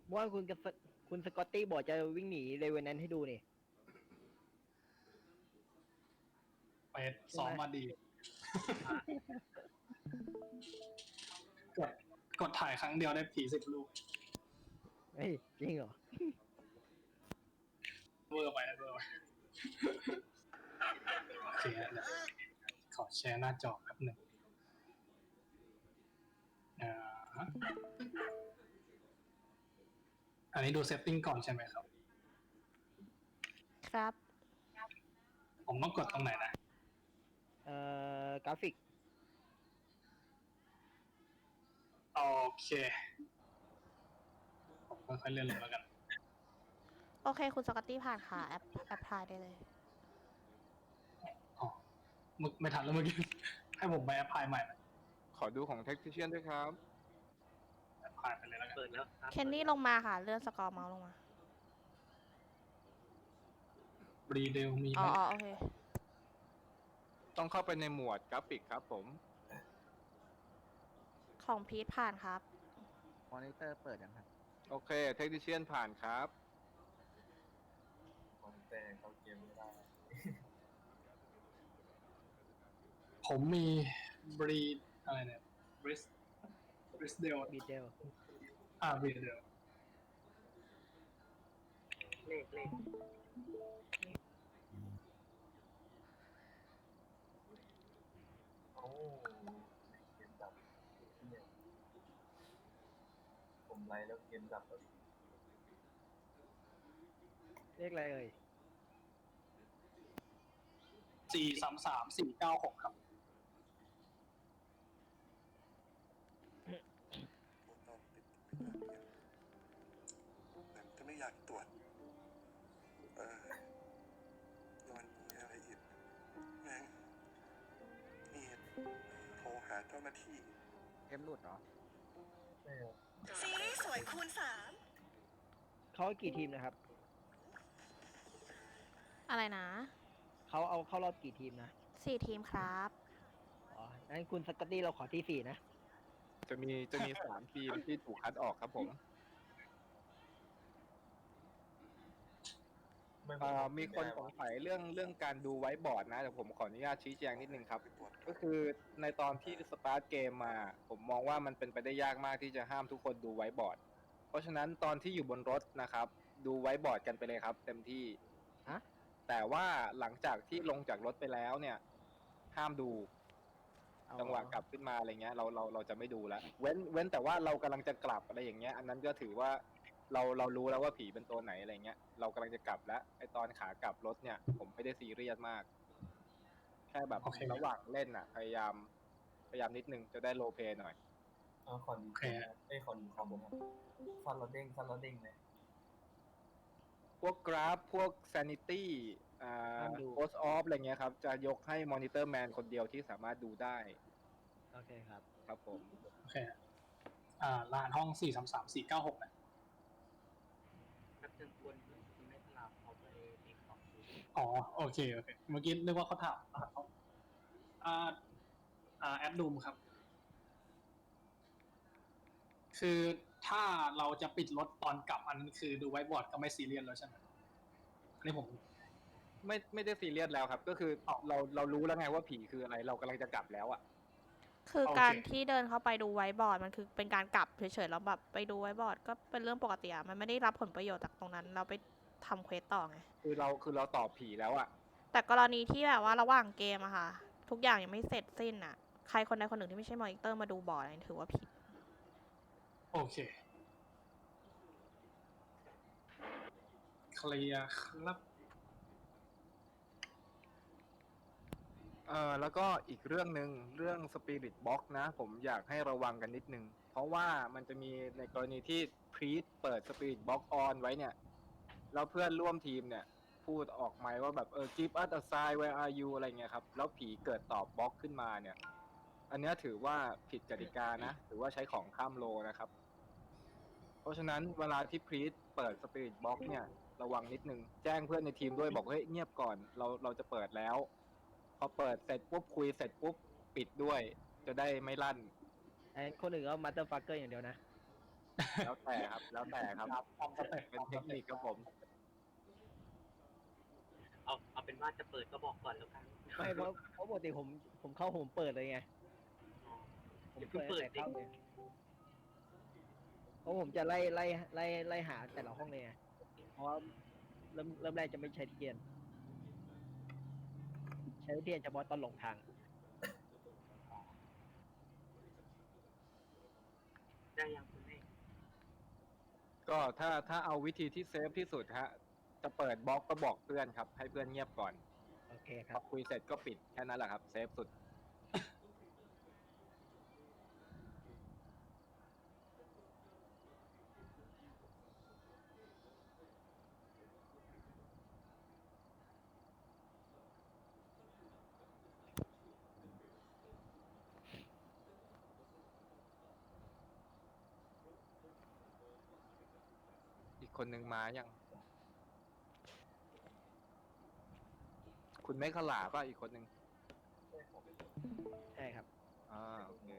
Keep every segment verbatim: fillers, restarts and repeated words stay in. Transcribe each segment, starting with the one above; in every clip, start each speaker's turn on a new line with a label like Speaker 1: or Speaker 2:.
Speaker 1: เมื่อวานคุณกับสคุณสกอตตี้บอกจะวิ่งหนีเลเวนแนนให้ดูนี่
Speaker 2: ไปซ้อมมาดี กดกดถ่ายครั้งเดียวได้ผีสิบลูก
Speaker 1: เฮ้ยจริงเหรอ
Speaker 2: เวอร์ไปนะเวอร์ไปโอเคเดี๋ยวขอแชร์หน้าจอแป๊บหนึ่งอ่าอันนี้ดูเซตติ้งก่อนใช่ไหมครับ
Speaker 3: ครับ
Speaker 2: ผมต้องกดตรงไหนนะ
Speaker 1: เอ่อกราฟิก
Speaker 2: โอเคผมค่อยๆเลื่อนลงแล้วกัน
Speaker 3: โอเค คุณสกอตตี้ผ่านค่ะ แอปแอปพลายได้เลย
Speaker 2: อ๋อมึกไม่ทันแล้วเมื่อกี้ ให้ผมไปแอปพลายใหม่ไหม
Speaker 4: ขอดูของ Tactician ด้วยครับ
Speaker 2: แอปพลายไปเลยแล้วกัน
Speaker 1: เปิดแล้ว
Speaker 3: เคนนี่ลงมาค่ะ เลื่อนสกอร์เมาส์ลงมา
Speaker 2: บรีเดลมี
Speaker 3: อ๋
Speaker 2: ไห
Speaker 3: อ
Speaker 2: ม
Speaker 3: อ๋อโอเค
Speaker 4: ต้องเข้าไปในหมวดกราฟิกครับผม
Speaker 3: ของพีทผ่านครับ
Speaker 5: มอนิเตอร์เปิดยังครับ
Speaker 4: โอเค Tactician ผ่านครับ
Speaker 5: มอนิเตอร์เข้าเกมไม่ได้
Speaker 2: ผมมีบรีอะไรเนี่ยบริสบริสเดล
Speaker 1: บีเดล
Speaker 2: อ่าบรีเดล
Speaker 1: เลขเลข
Speaker 5: โอ้เกมดับเนี่ยผมไลน์แล้วเกมดับแล้ว
Speaker 1: เลขอะไรเอ่ย
Speaker 2: สี่สามสามสี่เก้าหกครับ
Speaker 6: ตอนติดแต่จะไม่อยากตรวจ เออแล้วมันมีอะไรอีกแม่งนี่โทรหาเจ้าหน้าที่
Speaker 5: เกมหลุดเหรอ
Speaker 7: ซีรีส์สวยคูณสาม
Speaker 1: เขากี่ทีมนะครับ
Speaker 3: อะไรนะ
Speaker 1: เขาเอาเข้ารอบกี่ทีมนะ
Speaker 3: สี่ทีมครับ
Speaker 1: อ๋องั้นคุณสกอตตี้เราขอที่สี่นะ
Speaker 4: จะมีจะมี สามทีมที่ถูกคัดออกครับผม เอ่อมีคนสงสัยเรื่องเรื่องการดูไว้บอร์ดนะแต่ผมขออนุญาตชี้แจงนิดนึงครับ
Speaker 6: ไปตรวจ
Speaker 4: ก็คือในตอนที่สตาร์ทเกมมา ผมมองว่ามันเป็นไปได้ยากมากที่จะห้ามทุกคนดูไว้บอร์ด เพราะฉะนั้นตอนที่อยู่บนรถนะครับ ดูไว้บอร์ดกันไปเลยครับ เต็มที่
Speaker 1: ฮะ
Speaker 4: แต่ว่าหลังจากที่ลงจากรถไปแล้วเนี่ย ห้ามดู
Speaker 1: เอา
Speaker 4: จังหวะกลับขึ้นมาอะไรเงี้ยเราเราเราจะไม่ดูแล้วเว้นเว้นแต่ว่าเรากำลังจะกลับอะไรอย่างเงี้ย อันนั้นก็ถือว่าเราเรารู้แล้วว่าผีเป็นตัวไหนอะไรเงี้ยเรากำลังจะกลับแล้วไอตอนขากลับรถเนี่ย ผมไม่ได้ซีเรียสมาก แค่แบบ
Speaker 2: โอเค
Speaker 4: ระหว่างเล่นอ่ะ พยายามพยายามนิดนึงจะได้โรลเพลย์หน่อย
Speaker 5: เอาคอนดีเอ้ยคอนดีคอมครับฟันเราเด้งฟันเราเด้งเลย
Speaker 4: พวกกราฟพวก sanity อ่า post off อะไรเงี้ยครับ จะยกให้ monitor man คนเดียวที่สามารถดูได้
Speaker 1: โอเคครับ
Speaker 4: ครับผม
Speaker 2: โอเค อ่ารหัสห้องสี่สามสามสี่เก้าหกนะ
Speaker 1: นับจนคนไม่สลับเขาไปมีของ
Speaker 2: อ๋อ โอเค โอเค เมื่อกี้นึกว่าเขาถามรหัสห้องอ่า อ่า แอดดูมครับ คือถ้าเราจะปิดรถตอนกลับอันนั้นคือดูไว้บอร์ดก็ไม่ซีเรียสแล้วใช่ไหมอันนี้ผม
Speaker 4: ไม่ไม่ได้ซีเรียสแล้วครับ ก็คือเราเรารู้แล้วไงว่าผีคืออะไร เรากำลังจะกลับแล้วอ่ะ
Speaker 3: คือ
Speaker 2: โอเค
Speaker 3: การที่เดินเข้าไปดูไว้บอร์ดมันคือเป็นการกลับเฉยๆแล้วแบบไปดูไว้บอร์ดก็เป็นเรื่องปกติอะมันไม่ได้รับผลประโยชน์จากตรงนั้น เราไปทำเควสต่อไง
Speaker 4: คือเราคือเราตอบผีแล้วอ่ะ
Speaker 3: แต่กรณีที่แบบว่าระหว่างเกมอะค่ะ ทุกอย่างยังไม่เสร็จสิ้นอะใครคนใดคนหนึ่งที่ไม่ใช่มอนิเตอร์มาดูบอร์ดอันนี้ถือว่าผิด
Speaker 2: โอเค เคลียร์ครับ
Speaker 4: เอ่อแล้วก็อีกเรื่องหนึ่งเรื่อง Spirit Box นะ ผมอยากให้ระวังกันนิดนึง เพราะว่ามันจะมีในกรณีที่พรีตเปิด Spirit Box on ไว้เนี่ย แล้วเพื่อนร่วมทีมเนี่ย พูดออกไมค์ว่าแบบเออ give us a sign where are you อะไรเงี้ยครับ แล้วผีเกิดตอบบล็อกขึ้นมาเนี่ย อันเนี้ยถือว่าผิดกติกานะ ถือว่าใช้ของข้ามโลนะครับ เพราะฉะนั้นเวลาที่พรีตเปิด Spirit Box เนี่ย ระวังนิดนึง แจ้งเพื่อนในทีมด้วยบอกเฮ้ยเงียบก่อนเราเราจะเปิดแล้ว พอเปิดเสร็จปุ๊บคุยเสร็จปุ๊บปิดด้วย จะได้ไม่ลั่น
Speaker 1: ไอ้คนอื่นก็มาเตอร์ฟักเกอร์อย่างเดียวนะ
Speaker 4: แล้วแต่ครับ แล้วแต่ครับ
Speaker 2: ครับตามสเต็ป
Speaker 4: เป็นเทคนิคครับผม
Speaker 1: เอาเอาเป็นว่าจะเปิดก็บอกก่อนแล้วกัน
Speaker 8: ไม่เพราะเพราะปกติผมผมเข้าผมเปิดเลยไง
Speaker 1: อ๋อ
Speaker 8: ผม
Speaker 1: อย่าเพิ่
Speaker 8: เปิ
Speaker 1: ง
Speaker 8: ด
Speaker 1: เปิด
Speaker 8: ตั้ง
Speaker 1: ดิ
Speaker 8: แต่เข้าเลยเพราะผมจะไล่ไล่ไล่ไล่หาแต่ละห้องเลยไงเพราะว่าเริ่มเริ่มแรกจะไม่ใช้เทียน ใช้เทียนเฉพาะตอนหลงทาง
Speaker 1: ได้ยังคุณเอก
Speaker 4: ก็ถ้าถ้าเอาวิธีที่เซฟที่สุดฮะ จะเปิดบล็อกก็บอกเพื่อนครับ ให้เพื่อนเงียบก่อน
Speaker 8: โอเคค
Speaker 4: พ
Speaker 8: รั
Speaker 4: อบ คุยเสร็จก็ปิดแค่นั้นแหละครับ เซฟสุด อีกคนหนึ่งมายัง คุณไม่ขลาป่ะอีกคนหนึ่ง
Speaker 8: ใช่ครับ
Speaker 4: อ่าโอเค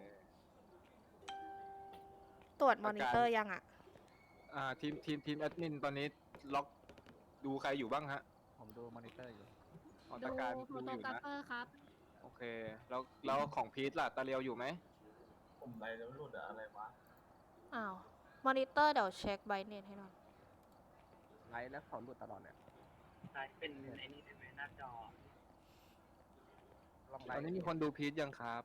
Speaker 3: ตรวจมอนิเตอร์ยังอ่ะ
Speaker 4: อ่าทีมทีมทีมแอดมินตอนนี้ล็อกดูใครอยู่บ้างฮะ
Speaker 9: ผมดูมอนิเตอร์อยู่
Speaker 4: อ๋อ
Speaker 10: ดู
Speaker 4: ตาการ
Speaker 10: โฟ
Speaker 4: ดู
Speaker 10: โต
Speaker 4: อยู่
Speaker 10: กราฟ
Speaker 4: นะ
Speaker 10: เฟอร์ครับ
Speaker 4: โอเค แล้วแล้วของพีทล่ะตาเรียวอยู่ไหม
Speaker 5: ผมไรแล้วหลุดอะอะไรวะ
Speaker 3: อ้าว มอนิเตอร์เดี๋ยวเช็คไบเน็ตให้หน่อย
Speaker 9: ไลฟ์แล้วเขาหลุดตลอดเลย
Speaker 1: ใช้เป็นไอ้นี่ได้ไหมหน้าจอ
Speaker 9: ลองไล
Speaker 4: ตอน
Speaker 9: ฟ์
Speaker 4: นี้มีคนดูพีทยังครับ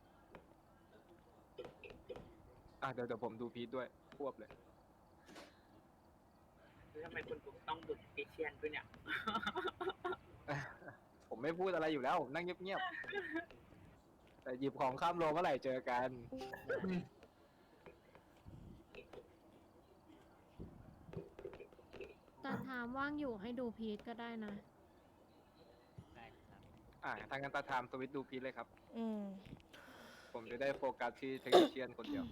Speaker 4: อ่ะเดี๋ยวเดี๋ยวผมดูพีทด้วยควบเลย
Speaker 1: แล้วทำไมคุณปุ๊กต้องดุดเอเชียนด้วยเนี่ย
Speaker 4: ผมไม่พูดอะไรอยู่แล้วผมนั่งเงียบๆ แต่หยิบของข้ามโลเมื่อไหร่เจอกัน
Speaker 10: แต่ถามว่างอยู่ให้ดูพีทก็ได้นะ
Speaker 4: อ่ะทางการตาไทม์สวิตช์ดูพีทเลยครับ
Speaker 3: อืม
Speaker 4: ผมจะได้โฟกัสที่เทคนิคเชียนคนเดียว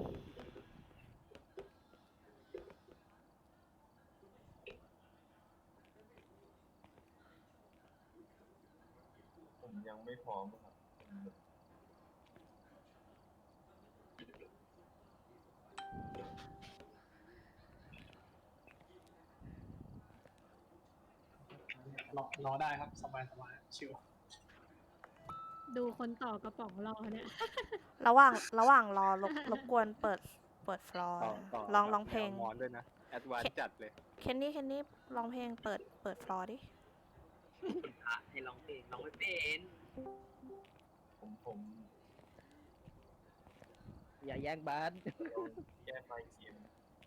Speaker 5: ผมยังไม่พร้อมครับ
Speaker 2: รอรอได้ครับสบายสบายชิว
Speaker 10: ดูคนต่อกระป๋องรอเนี่ย
Speaker 3: ระหว่างระหว่างรอรบรบกวนเปิดเปิดฟลอร์
Speaker 4: ต่อต่อ
Speaker 3: ลองลองเพลง
Speaker 4: แนวมอนด้วยนะ แอดวานซ์จัดเลย
Speaker 3: เคนนี่เคนนี่ลองเพลงเปิดเปิดฟลอร์ดิ
Speaker 1: คุณพระให้ร้องเพลงร้องไม่เป็น
Speaker 5: ผมผม
Speaker 8: อย่าแย่งบ้าน
Speaker 5: แก้ไฟเกม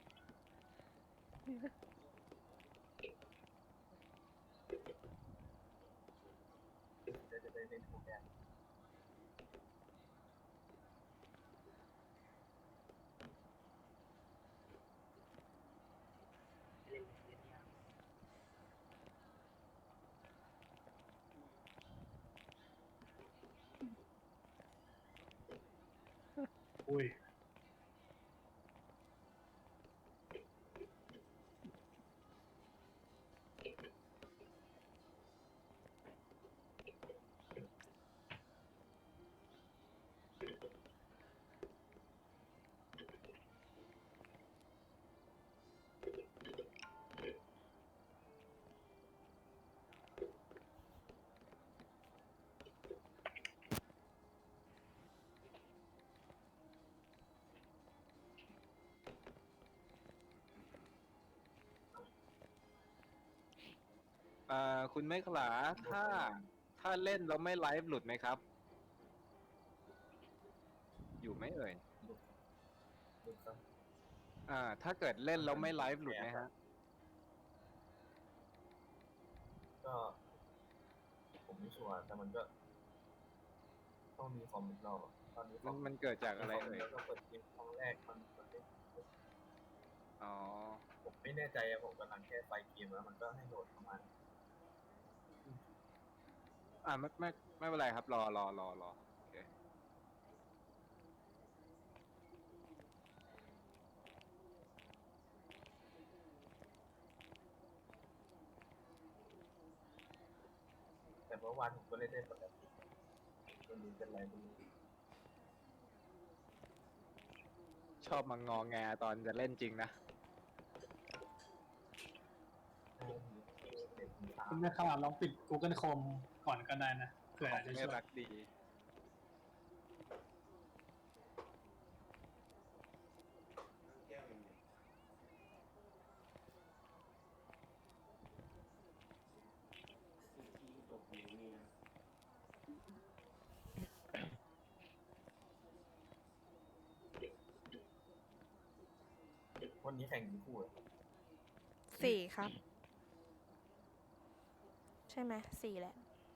Speaker 5: จะจะได้เล่นโปรแกรม
Speaker 1: เล่นเล่นยาก
Speaker 2: อุ้ย
Speaker 4: อ่าคุณไม่ขลา ถ้าถ้าเล่นแล้วไม่ไลฟ์หลุดไหมครับ อยู่ไหมเอ่ย
Speaker 5: หลุดครับ
Speaker 4: อ่า ถ้าเกิดเล่นแล้วไม่ไลฟ์หลุดไหมฮะ
Speaker 5: ก็ ผมไม่ชัวร์แต่มันก็ ต้องมีคอมอีกรอบอะตอนนี้
Speaker 4: มันมันเกิดจากอะไรเอ่ย
Speaker 5: เราเปิดเกมครั้งแรกมันมันไม่
Speaker 4: อ๋อ
Speaker 5: ผมไม่แน่ใจอะผมกำลังแค่ไฟเกมแล้วมันก็ให้โหลดประมาณ
Speaker 4: อ่าไม่ไม่ไม่เป็นไรครับ รอรอรอรอโอเค
Speaker 5: แต่เมื่อวานผมก็เล่นได้ปกติไม่รู้เป็นไรไม่รู้
Speaker 4: ชอบมางอแงตอนจะเล่นจริงนะ
Speaker 2: คุณแม่ข่าวลองปิด Google Chrome ก่อนก็ได้นะเผื่อจะ
Speaker 4: ไม่
Speaker 2: ช่วย
Speaker 4: รักดี
Speaker 5: วันนี้แข่งกี่คู่อะ
Speaker 3: สี่ครับ ใช่ไหมสี่แหละ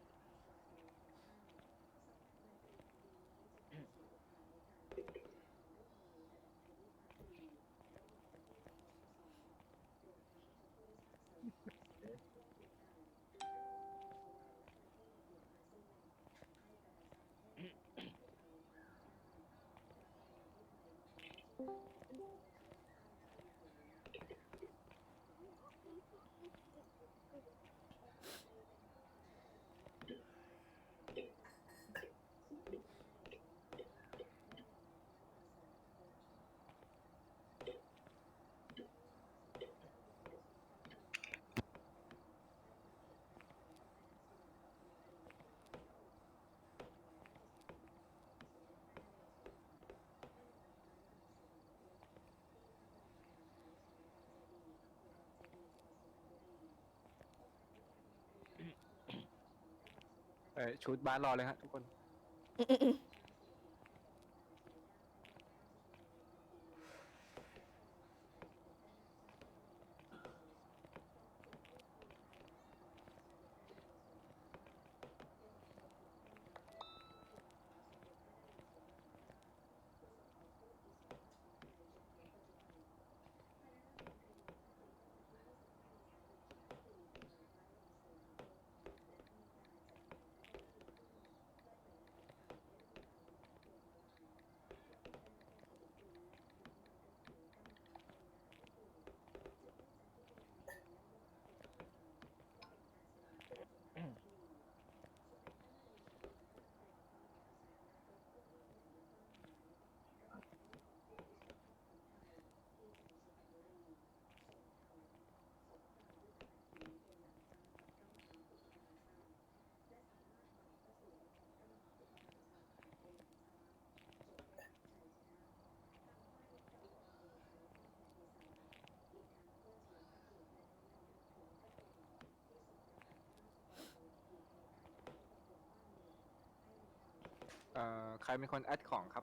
Speaker 4: เออชุดบาสรอเลยฮะทุกคน เอ่อ ใครเป็นคนแอดของครับ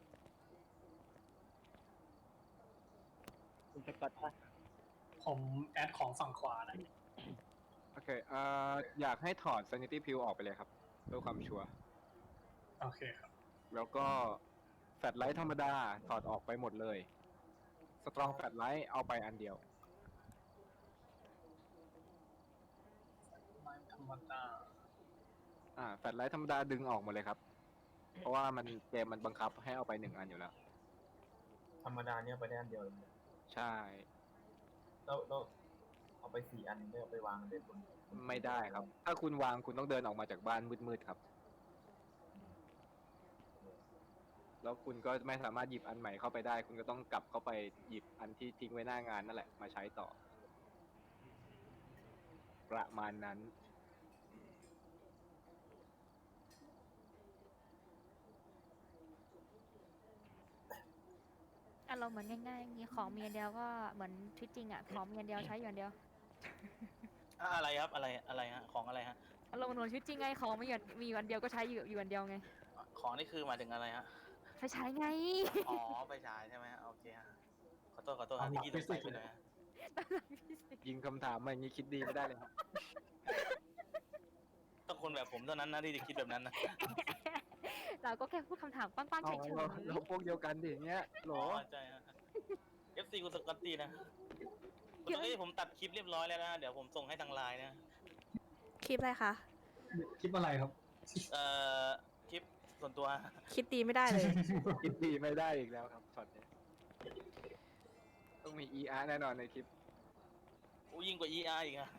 Speaker 8: คุณสกอตป่ะ
Speaker 2: ผมแอดของฝั่งขวานะ
Speaker 4: โอเค เอ่อ อยากให้ถอด Sanity Pill ออกไปเลยครับเพื่อความชัวร์
Speaker 2: โอเคครับ
Speaker 4: แล้วก็แฟลชไลท์ธรรมดาถอดออกไปหมดเลย สตรองแฟลชไลท์เอาไปอันเดียว
Speaker 2: ไม่ธรรมดา
Speaker 4: อ่า แฟลชไลท์ธรรมดาดึงออกหมดเลยครับ เพราะว่ามันเกมมันบังคับให้เอาไปหนึ่งอันอยู่แล้ว
Speaker 5: ธรรมดาเนี่ยไปได้อันเดียวเลย
Speaker 4: ใช่
Speaker 5: แล้วแล้วเอาไปสี่อันไม่เอาไปวางเลยบน
Speaker 4: ไม่ได้ครับ ถ้าคุณวางคุณต้องเดินออกมาจากบ้านมืดๆครับ แล้วคุณก็ไม่สามารถหยิบอันใหม่เข้าไปได้ คุณก็ต้องกลับเข้าไปหยิบอันที่ทิ้งไว้หน้างานนั่นแหละมาใช้ต่อ ประมาณนั้น
Speaker 11: อารมณ์เหมือนง่ายๆมีของมีอันเดียวก็เหมือนชีวิตจริงอ่ะ ของมีอันเดียวใช้อยู่อันเดียว
Speaker 1: อ่ะอะไรครับอะไรอะไรฮะของอะไรฮะ
Speaker 11: อารมณ์เหมือนชีวิตจริงไงของมีอยู่มีอยู่อันเดียวก็ใช้อยู่อยู่อันเดียวไง
Speaker 1: ของนี่คือหมายถึงอะไรฮะ
Speaker 11: ไฟฉายไง
Speaker 1: อ๋อไปฉายใช่ไหมฮะโอเคฮะขอโทษขอโทษฮะเมื่อกี้สงสัยไปหน่อยฮะ
Speaker 4: ยิงคำถามมาอย่างนี้คิดดีไม่ได้เลยครับ
Speaker 1: ต้องคนแบบผมเท่านั้นนะที่จะคิดแบบนั้นนะ
Speaker 11: เราก็แค่พูดคำถามปั้งๆ
Speaker 4: เอา
Speaker 11: เฉย
Speaker 4: เราเราพวกเดียวกันดิอย่างเงี้ยโหล
Speaker 1: อ๋อใช่ฮะ เอฟ ซี คุณสกอตตี้นะคุณตอนนี้ผมตัดคลิปเรียบร้อยแล้วนะ เดี๋ยวผมส่งให้ทางไลน์นะ
Speaker 3: คลิปอะไรคะ
Speaker 2: คลิปอะไรครับ
Speaker 1: เอ่อ คลิปส่วนตัว
Speaker 3: คิดดีไม่ได้เลย
Speaker 4: คิดดีไม่ได้อีกแล้วครับช็อตนี้ต้องมี อี อาร์ แน่นอนในคลิป
Speaker 1: อู้ยิ่งกว่า อี อาร์ อีกอะ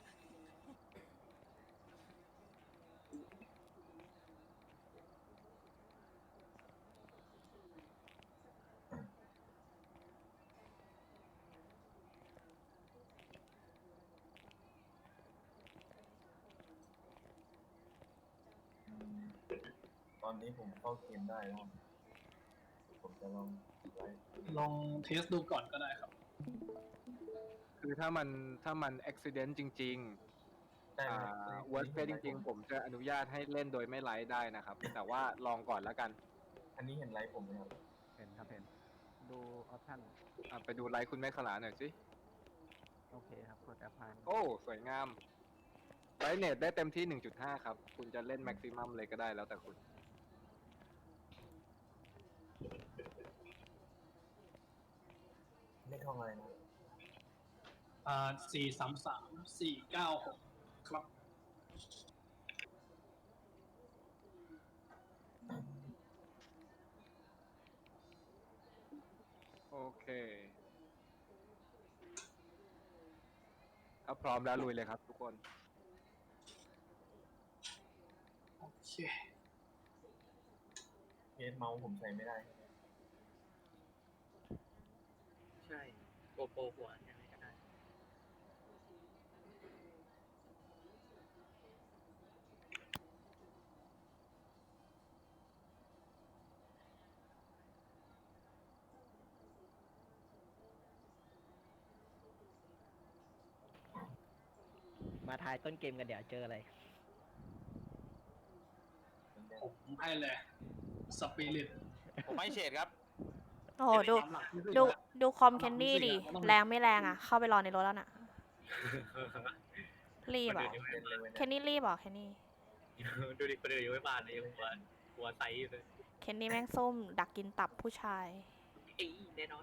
Speaker 5: ตอนนี้ผมเข้าเกมได้แล้ว ผมจะลองไว้
Speaker 2: ลองเทสดูก่อนก็ได้ครับ
Speaker 4: คือถ้ามันถ้ามันอุบิเหตุจริง ๆ
Speaker 5: ได้ไห
Speaker 4: อ่
Speaker 5: ม
Speaker 4: า worst case จริง ๆ ผมจะอนุญาตให้เล่นโดยไม่ไลฟ์ได้นะครับ แต่ว่าลองก่อนแล้วกัน
Speaker 5: อันนี้เห็นไลฟ์ผมไหมครับ
Speaker 9: เห็นครับเห็น ดูออปชั่น
Speaker 4: อ่ะไปดูไลฟ์คุณแม่ขลาหน่อยสิ
Speaker 9: โอเคครับกดแอปพลาย
Speaker 4: โอ้ สวยงามไลฟ์เน็ตได้เต็มที่ หนึ่งจุดห้า ครับ คุณจะเล่นแม็กซิมัมเลยก็ได้แล้วแต่คุณ
Speaker 5: เลขห้องอะไรนะ
Speaker 2: อ่าสี่สามสามสี่เก้าหกครับ
Speaker 4: โอเคถ้าพร้อมแล้วลุยเลยครับทุกคน
Speaker 2: โอเค
Speaker 5: เคสเมาส์ผมใช้ไม่ได้
Speaker 12: ใช่โกโปรหัวยังไงก็ได้
Speaker 8: มาทายต้นเกมกันเดี๋ยวเจออะไร
Speaker 2: ผมให้เลยสปิริต
Speaker 1: ผมให้เฉดครับ
Speaker 3: โอ้โหดูดูดูคอมแคนดี้ดิ แรงไม่แรงอ่ะ เข้าไปรอในรถแล้วน่ะ รีบเหรอแคนนี่รีบเหรอแคนนี่
Speaker 12: ดูดิคนอื่นยังไม่มาเลยหัวหัวใสอยู่เลย
Speaker 3: แคนนี่แม่งส้ม ดักกินตับผู้ชาย
Speaker 12: เอ้ยแน่นอน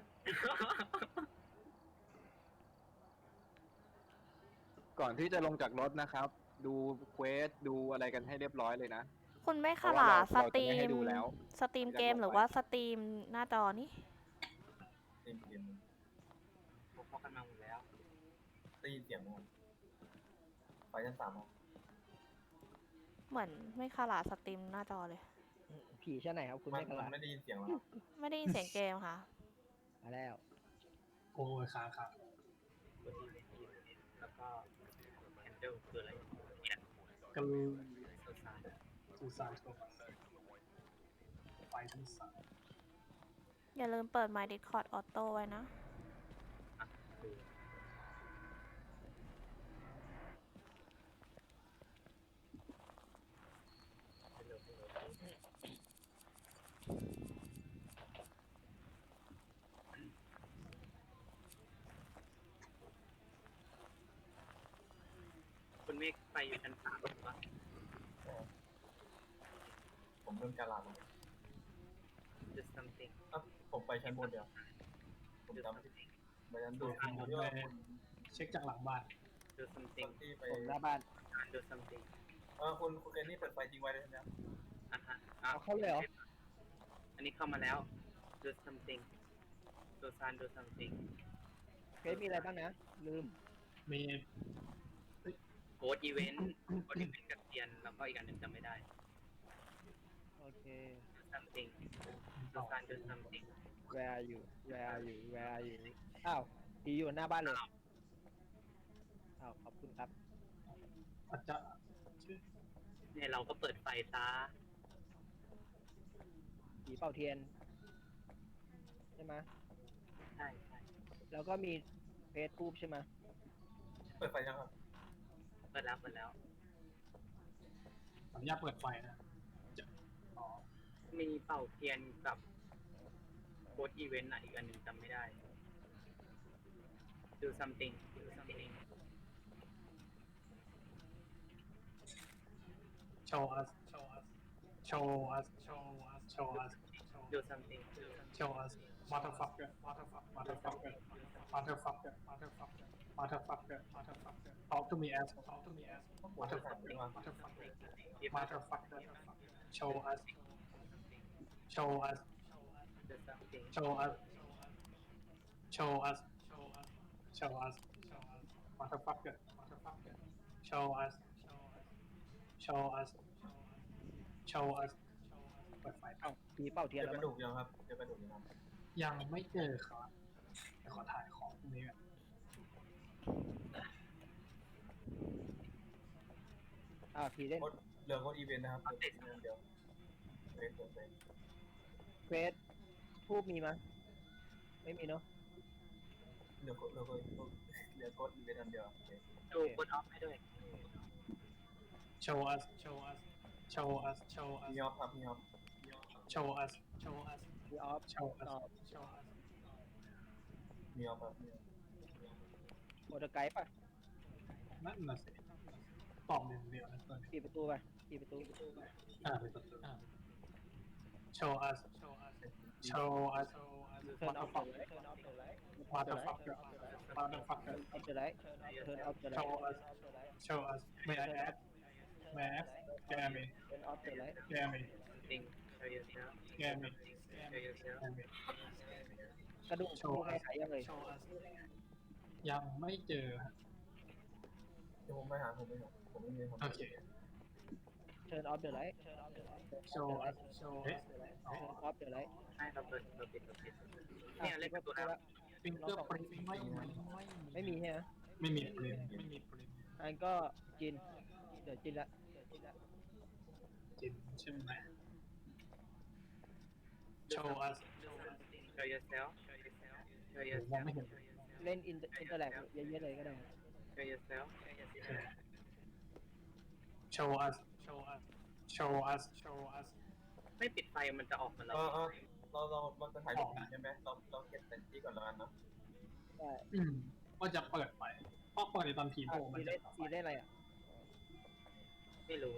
Speaker 4: ก่อนที่จะลงจากรถนะครับ ดูเควสดูอะไรกันให้เรียบร้อยเลยนะ
Speaker 3: คุณไม่
Speaker 4: เพ
Speaker 3: ข
Speaker 4: ราะว่า
Speaker 3: ลา
Speaker 4: เรา
Speaker 3: ส
Speaker 4: เรา
Speaker 3: ต
Speaker 4: จะ
Speaker 3: รี
Speaker 4: ไม่ให้
Speaker 3: ม
Speaker 4: ดูแล้ว
Speaker 3: สตรีมเกมหรือว่าสตรีมหน้าจอนี่
Speaker 5: ตีเสียง
Speaker 12: ผมพอกันมาหมดแล้ว
Speaker 5: ตีเสียงมั้งไฟชั้นสามมั้ง
Speaker 3: เหมือนไม่ขลาสตรีมหน้าจอเลย
Speaker 8: ผีชั้นไหนครับคุณ
Speaker 5: มัน
Speaker 8: ไม่ก
Speaker 5: มัน
Speaker 8: ระ
Speaker 5: ไม่ได้ยินเสียงหรอ
Speaker 3: ไม่ได้ยินเสียงเกมค่ะ
Speaker 8: มาแล้ว
Speaker 2: โอ้ยค้างครับ
Speaker 12: กดที่เวทีแล้วก็แอนเดลคืออะไร
Speaker 2: กัน
Speaker 12: โซซาน
Speaker 2: ซูซานโทมัสไฟชั้นสาม
Speaker 3: อย่าลืมเปิด My Discord Auto ไว้นะ
Speaker 12: อ่ะดู คุณเมฆไปอยู่ชั้นสามหรือเปล่า
Speaker 5: ผมเริ่มการลาแล้ว
Speaker 12: just something
Speaker 5: อ่ะผมไปชั้นบนเดียว ผมจำไม่ได้ไปชั้นบนผม
Speaker 2: ผม
Speaker 5: เลื
Speaker 2: ไป
Speaker 5: อกคุณ
Speaker 2: เช็คจากหลังบ้าน
Speaker 12: do something
Speaker 5: ที่ไป
Speaker 8: ผมหน้าบ้าน
Speaker 12: do something
Speaker 5: เออคุณคุณเคนนี่เปิดไฟทิ้งไว้เลยใช่ไหมครับ
Speaker 12: อ่ะฮะอ่ะ
Speaker 8: เอาเข้าเลยเหรอ
Speaker 12: อันนี้เข้ามาแล้ว do something do san do something
Speaker 8: เฮ้ยมีอะไรบ้างนะ ลืม
Speaker 2: มี
Speaker 12: โค้ดอีเวนต์โค้ดอีเวนต์กับเทียนแล้วก็อีกอันหนึ่งจำไม่ได้
Speaker 8: โอเค
Speaker 12: do something do san do something
Speaker 8: where are you where are you where are you อ้าวผีอยู่หน้าบ้านเลย อ้าวขอบคุณครับ
Speaker 2: อาจจะ
Speaker 12: เนี่ยเราก็เปิดไฟซะ
Speaker 8: ผีเป่าเทียน ใช่ไหม
Speaker 12: ใช่ใช่
Speaker 8: แล้วก็มีเฟซทูบใช่ไหม
Speaker 5: เปิดไฟยังครับ
Speaker 12: เปิดแล้วเปิดแล้ว
Speaker 2: ขออนุญาตเปิดไฟนะจะอ๋อ
Speaker 12: มีเป่าเทียนกับโค้ดอีเวนต์อ่ะอีกอันหนึ่งจำไม่ได้ do something do something
Speaker 2: show us show us show us show us show us
Speaker 12: do something
Speaker 2: show us motherfucker motherfucker motherfucker motherfucker motherfucker motherfucker motherfucker talk to me as talk to me as motherfucker motherfucker motherfucker show us show us
Speaker 12: do something
Speaker 2: show us show us show us motherfucker motherfucker show us show us show us เปิดไฟ
Speaker 8: เอ้าผีเป่าเที
Speaker 5: เจ
Speaker 8: ยน
Speaker 5: อ
Speaker 8: แล้ว
Speaker 5: กระ
Speaker 8: มั้
Speaker 5: ดู
Speaker 8: ง
Speaker 5: กยังครับเจอกระดูกยังครับ
Speaker 2: ยังไม่เจอครับเดี๋ยวขอถ่ายของพวกนี้ก่อน
Speaker 8: อ้าวผีเล่น
Speaker 5: โค้ดเหลือโค้ดอีเวนต์นะครับเหลือเดียวฟสเฟส
Speaker 8: เควสทูบมีมั้ยไม่มีเนาะ
Speaker 5: เหลือเหลือเหลือกดอีเวนต์อันเดียว
Speaker 12: ดูกดออฟให้ด้วย
Speaker 2: show us show us show us show us
Speaker 5: มีออฟครับมีออฟ
Speaker 2: show us show us
Speaker 8: มีออฟ
Speaker 2: show
Speaker 8: ตอบ
Speaker 2: us show us
Speaker 5: มีออฟครับมีออฟ
Speaker 8: โอเดอร์ไกด์ป่ะ
Speaker 2: นั่นน่ะสิตอบเดียวเดียวนะตอนนี้
Speaker 8: ปิดประตูไปปิดประตู
Speaker 2: อ่าไปต่ออ่า show us show us show us
Speaker 8: turn off the light turn off the light
Speaker 2: motherfucker motherfucker
Speaker 8: off the light turn off the
Speaker 2: show
Speaker 8: light
Speaker 2: us show us may I ask may I ask scare me
Speaker 8: turn off the light
Speaker 2: scare me
Speaker 12: Think show yourself
Speaker 2: scare me
Speaker 12: show yourself
Speaker 2: scare me
Speaker 8: กระดูก
Speaker 2: show
Speaker 8: ดูให้
Speaker 2: us
Speaker 8: หายยังเลย
Speaker 2: show us ยังไม่เจอฮะ
Speaker 5: เดี๋ยวผมไปหาผมไปหาผมไม่มีครับ
Speaker 2: โอเค
Speaker 8: turn off the light turn off the light
Speaker 2: show us show us
Speaker 8: turn off the light
Speaker 12: ใช่เราเปิดเราปิดเราปิดเนี่ยเล่นประตูแล้ว
Speaker 2: ฟิงเกอร์ปรินไม่มี
Speaker 8: ไม่มีใช่ไหม
Speaker 2: ไม่มีปรินไม่มีปริน
Speaker 8: อันก็กินเดี๋ยวกินละ
Speaker 2: จินใช่ไหม show us
Speaker 12: show yourself show yourself show
Speaker 2: มอง
Speaker 12: yourself
Speaker 2: ไม่เห็น
Speaker 8: เล่นอินอินเตอร์แลกเยอะๆเลยก็ได้
Speaker 12: show yourself
Speaker 2: show us show us show us show us
Speaker 12: ไม่ปิดไฟมันจะออกมาแล้ว
Speaker 5: เออเออเราเราเราจะถ่ายรูปใช่ไหมเราเราเก็บแต่งที่ก่อนแล้วกันเนาะ
Speaker 8: ได้
Speaker 2: อืมว่าจะเปิดไปเพราะเปิดในตอนผีโผล่มัน
Speaker 8: สี
Speaker 2: จะ
Speaker 8: เล่นสีเล่นอะไรอ่ะ
Speaker 12: ไม่รู้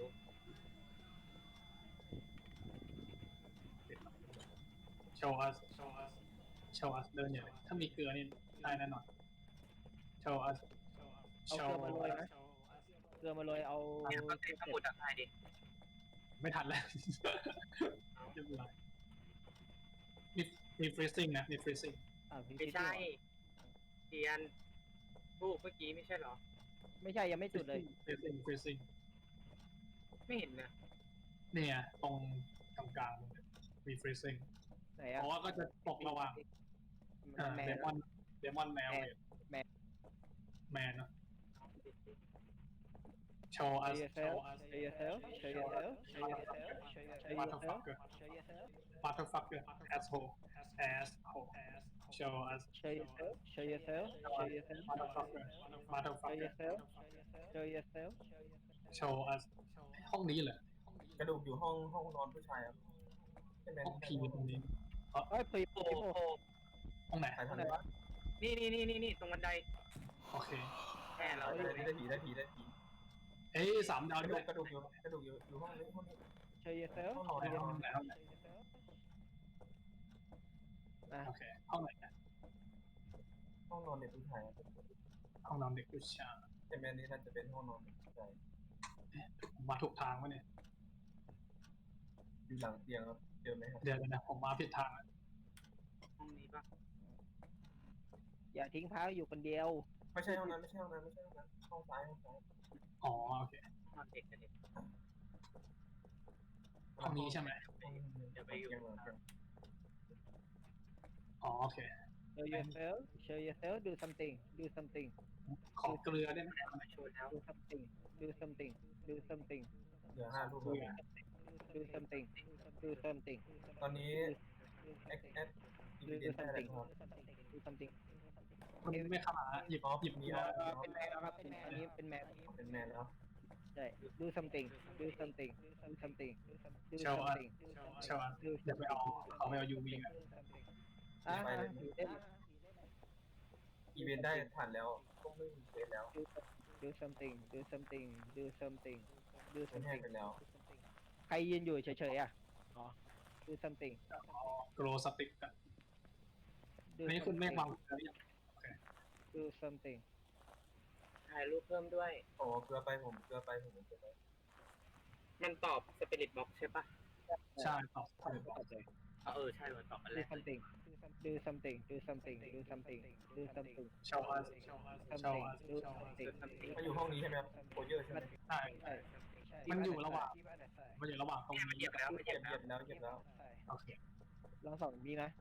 Speaker 2: show us show us show us เดินอย่างถ้ามีเกลือนี่ได้แน่นอน show us
Speaker 8: เอาเกลือมาโรยไหมเกลือมาโรยเอา
Speaker 12: เนี่ยก็ใช้สมุดอ่ะถ่ายดิ
Speaker 2: ไม่ทันแล้วเรียบร้อยมีมี freezing นะมี freezing
Speaker 8: อ่าพี่
Speaker 12: ไม่ใช่เทียนรูปเมื่อกี้ไม่ใช่เหรอ
Speaker 8: ไม่ใช่ยังไม่จุดเลย
Speaker 2: freezing freezing
Speaker 12: ไม่เห็นนะ
Speaker 2: เนี่ยตรงกลางกลางๆมี freezing
Speaker 8: ไหน
Speaker 2: เพ
Speaker 8: อ่ะ
Speaker 2: ราะว่าก็จะตกระหว่าง
Speaker 8: มันแม
Speaker 2: เด
Speaker 8: น
Speaker 2: มอนเดมอนแมว
Speaker 8: แมน
Speaker 2: แมนเนาะ show us
Speaker 8: show
Speaker 2: show
Speaker 8: yourself
Speaker 2: us
Speaker 8: show yourself show yourself show yourself show yourself
Speaker 2: motherfucker
Speaker 8: show yourself
Speaker 2: motherfucker asshole asshole show us
Speaker 8: show yourself show yourself show yourself
Speaker 2: motherfucker
Speaker 8: show
Speaker 2: motherfucker
Speaker 8: yourself show yourself
Speaker 2: show us ห้องนี้เหรอก
Speaker 5: ระดูกอยู่ห้องห้องนอนผู้ชายครับใช่ไหม
Speaker 2: ห้องผีตรงนี้
Speaker 8: เอ้ยผี
Speaker 12: โอ้
Speaker 8: ผี
Speaker 12: โห
Speaker 8: โผล่
Speaker 2: ห้องไหน
Speaker 5: ถ่ายทางไหนวะ
Speaker 12: นี่นี่นี่นี่นี่ตรงบันได
Speaker 2: โอเค
Speaker 12: แค่เรา
Speaker 5: ได้ได้ผีได้ผีได้ผี
Speaker 2: เอ้ยสามดาว
Speaker 5: กระ
Speaker 2: ด้
Speaker 5: ดู
Speaker 2: วย
Speaker 5: กกระดูกอยู่กระดูกอยู่อยู่ห้องนี้ห้องนี้
Speaker 8: show yourself
Speaker 5: ห้องนอน
Speaker 2: ใน
Speaker 5: ใน
Speaker 2: ห้
Speaker 5: ห้
Speaker 2: อ
Speaker 5: อง ง
Speaker 2: ไหน
Speaker 5: นี้
Speaker 2: ห้องไหน
Speaker 8: อ่ะ
Speaker 2: โอเคห้องไหนนะ
Speaker 5: ห้องนอนเด็กผู้ชาย
Speaker 2: ห้องนอนเด็กผู้ชาย
Speaker 5: ใช่ไหมนี่น่าจะเป็นห้องนอนเด็กผู้ชาย
Speaker 2: ผมมาถูกทางวะเนี่ย
Speaker 5: อยู่หลังเตียงครับเจอไหมครับ
Speaker 2: เดี๋ยวนะผมมาผิดทางแล้ว
Speaker 12: ห้องนี้ปะ
Speaker 8: อย่าทิ้งพาอยู่คนเดียว
Speaker 5: ไม่ใช่ห้องนั้นไม่ใช่ห้องนั้นไม่ใช่ห้องนั้นห้องซ้ายห้องซ้าย
Speaker 2: อ๋อโอเค
Speaker 12: ห้องเด็กกันเด็ก
Speaker 2: ห้องนี้ใช่ไหม
Speaker 12: เดี๋ยวไปอยู่
Speaker 5: เตียงหลังเตียง
Speaker 2: อ๋อโอเค
Speaker 8: show yourself show yourself do something do something
Speaker 2: ขอเกลือได้ไหม
Speaker 12: มาโชว์แล้ว
Speaker 8: do something do something do something
Speaker 5: เหลือห้ารูป
Speaker 2: เกลือ
Speaker 8: do something do something
Speaker 5: ตอนนี้แอคแอคอี
Speaker 8: do
Speaker 5: เวนต์ได้แล้ว
Speaker 8: something
Speaker 5: ครับ
Speaker 8: do something
Speaker 2: มันไม่เข้ามาหยิบ
Speaker 5: อ๋อ
Speaker 2: หยิบ
Speaker 5: มี
Speaker 2: มี
Speaker 5: แล้
Speaker 2: แล้ว ว
Speaker 8: เป็นแมวครับอันนี้เป็นแมว
Speaker 5: เป็นแมนแล้ว
Speaker 8: ใช่ do something do something do something do
Speaker 2: เชลอัส
Speaker 8: something
Speaker 2: เชลอัสเดี๋ยวไปเอาเขาไปเอายูวีกัน
Speaker 8: อ่าผีเล่น
Speaker 5: อีเวนต์ได้ผ่านแล้วก็ไม่มีเฟสแล้ว
Speaker 8: do something do something do something do
Speaker 5: เป็นแห้ง
Speaker 8: something
Speaker 5: ไปแล้ว
Speaker 8: ใครยืนอยู่เฉยๆอ่ะอ๋อ do something
Speaker 2: โกลสติกกัน
Speaker 8: do
Speaker 2: นี่คุณเมฆ
Speaker 8: something
Speaker 2: วางเกลือหรือยัง
Speaker 8: do something
Speaker 12: ถ่ายรูปเพิ่มด้วย
Speaker 5: โอ้เกลือไปผมเกลือไปผมเกลือไป
Speaker 12: มันตอบสปิริตบ็อกใช่ปะ
Speaker 2: ใช่ตอบ
Speaker 12: เออใช่มันตอบอันแร
Speaker 8: do
Speaker 12: ก
Speaker 8: something do something do something do something do something
Speaker 2: เชลอัสเชลอัสเชล
Speaker 8: something
Speaker 2: อัส
Speaker 8: do something
Speaker 5: มันอยู่ห้องนี้ใช่ไหมครับโคเยอร์ใช่ไหม
Speaker 2: ใช่
Speaker 8: ใช่
Speaker 2: มันอยู่ระหว่างมันอยู่ระหว่างตรง
Speaker 12: เนี่ยมันเหยี
Speaker 2: นี้
Speaker 12: ยบแล้วมันเห
Speaker 5: เห
Speaker 12: ยี
Speaker 5: ยี
Speaker 12: ย
Speaker 5: ย
Speaker 12: บบ แล้ว
Speaker 5: เหยียบแล้วเหยียบแล้ว
Speaker 2: โอเค
Speaker 8: ลองส่องมีนะ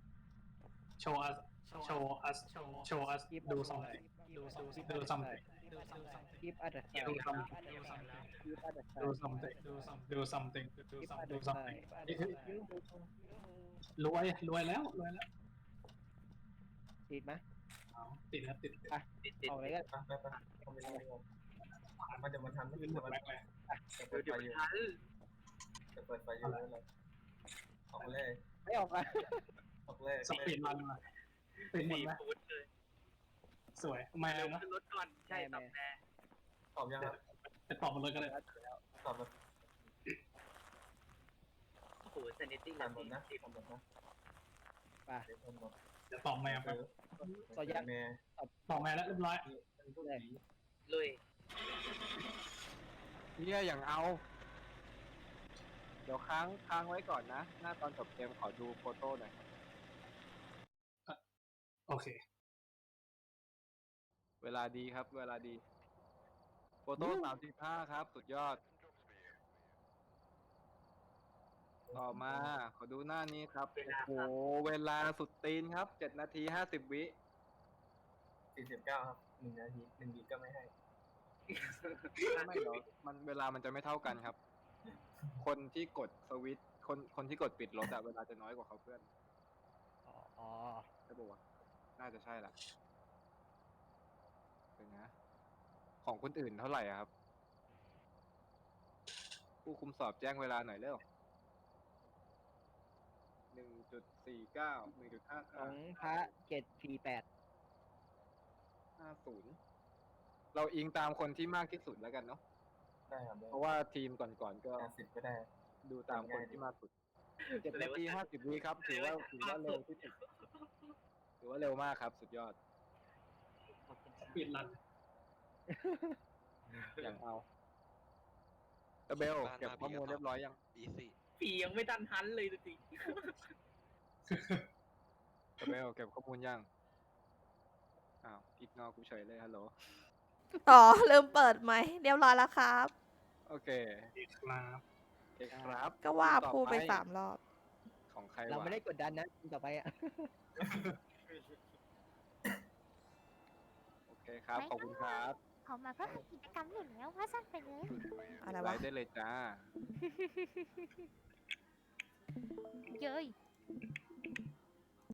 Speaker 2: show us show us show us do something do something do
Speaker 8: keep at the side
Speaker 2: do
Speaker 8: keep
Speaker 2: something
Speaker 8: at the
Speaker 2: do
Speaker 8: side
Speaker 2: something do something do
Speaker 8: keep
Speaker 2: something
Speaker 8: at
Speaker 2: do
Speaker 8: the
Speaker 2: something
Speaker 8: side
Speaker 2: นี่คือรวยรวยแล้วรวยแล้ว
Speaker 8: ติดไหม
Speaker 2: เอาติดแล้วติด
Speaker 8: ไปออกเลยกัน
Speaker 5: ไปไปไปเข้าไปเลยดีกว่ามันจะมาทันไม่
Speaker 2: ขึ้น
Speaker 5: ทั
Speaker 2: หม
Speaker 5: น
Speaker 2: ดแม็กเลย
Speaker 5: จะเปิดไฟอยู่จะเปิดไฟอยู่เลยออกเลย
Speaker 8: ไม่ออกอ่ะ
Speaker 5: ออกเลย
Speaker 2: สปีดรันมาเป็นหมดไหมสวยมาแล้วนะ
Speaker 12: รถก่อนใช่ตอบแน่
Speaker 5: ตอบยังครับ
Speaker 2: จะตอบมาเลยก็ได้
Speaker 5: ตอบแบบ
Speaker 12: โอ้โหเซนิตี้
Speaker 5: ผ่านหมดนะผ่านหมดนะ
Speaker 8: ไป
Speaker 5: เดี๋ยวผ่านหมด
Speaker 2: จะตอบแมวไป
Speaker 8: ต่อยัก
Speaker 5: แม่
Speaker 2: ตอบแมวแล้วเรียบร้อย
Speaker 8: เลย
Speaker 12: ลุย
Speaker 4: เฮียอย่างเอา เดี๋ยวค้างค้างไว้ก่อนนะ หน้าตอนจบเกมขอดูโฟโต้หน่อย
Speaker 2: โอเค
Speaker 4: เวลาดีครับ เวลาดี โฟโต้สามสิบห้าครับ สุดยอด ต่อมา ขอดูหน้านี้ครับ โอ้โห เวลาสุดตีนครับเจ็ดนาทีห้าสิบวิ
Speaker 5: สี่สิบเก้าครับหนึ่งนาทีหนึ่งวิก็ไม่ให้
Speaker 4: ไม่หรอกมันเวลามันจะไม่เท่ากันครับ คนที่กดสวิตช์คนคนที่กดปิดรถอะเวลาจะน้อยกว่าเขาเพื่อน
Speaker 8: อ๋ออ๋อ
Speaker 4: ใช่ปะวะน่าจะใช่ละเป็นนะ ของคนอื่นเท่าไหร่อะครับ ผู้คุมสอบแจ้งเวลาหน่อยเร็วหนึ่งจุดสี่เก้าหนึ่งจุดห้า
Speaker 8: ขอ
Speaker 4: เก้าง
Speaker 8: พระเจ็ดสี่แปด
Speaker 4: ห้าศูนย์เราอิงตามคนที่มากที่สุดแล้วกันเนาะ
Speaker 5: ได้ครับ
Speaker 4: เพราะว่าทีมก่อนๆก็
Speaker 5: แปดสิบก็ได้
Speaker 4: ดูตามคนที่มากสุดเจ็ดนาทีห้าสิบวิครับ ถือว่าถือว่าเร็วที่สุด ถือว่าเร็วมากครับ สุดยอด
Speaker 2: สปีดรัน
Speaker 4: อย่างเอาตะเบลเก็บข้อมูลเรียบร้อยยัง
Speaker 12: ผียังไม่ทันทันเลยสิ
Speaker 4: ตะเบลเก็บข้อมูลยัง อ้าวอีกนอกูเฉยเลยฮัลโหล
Speaker 3: อ๋อ ลืมเปิดไหมค์เรียบร้อยแล้วครับ
Speaker 4: โอเค
Speaker 2: ครับ
Speaker 4: เอกครับ
Speaker 3: ก็ว่า
Speaker 4: ต่อ
Speaker 3: พูดไปสามรอบ
Speaker 4: ของใคร
Speaker 8: เรา
Speaker 4: วะ
Speaker 8: ไม่ได้กดดันนะทีมต่อไปอ่ะ
Speaker 4: โอเคครับ ขอบคุณครับ
Speaker 11: เขามาเพื่อกิจกรรมอยู่แล้วว่าสั้นไปเลย
Speaker 3: อะไร
Speaker 4: ไล
Speaker 3: วะ
Speaker 4: ฟ์ได้เลยจ้า
Speaker 11: เย้ย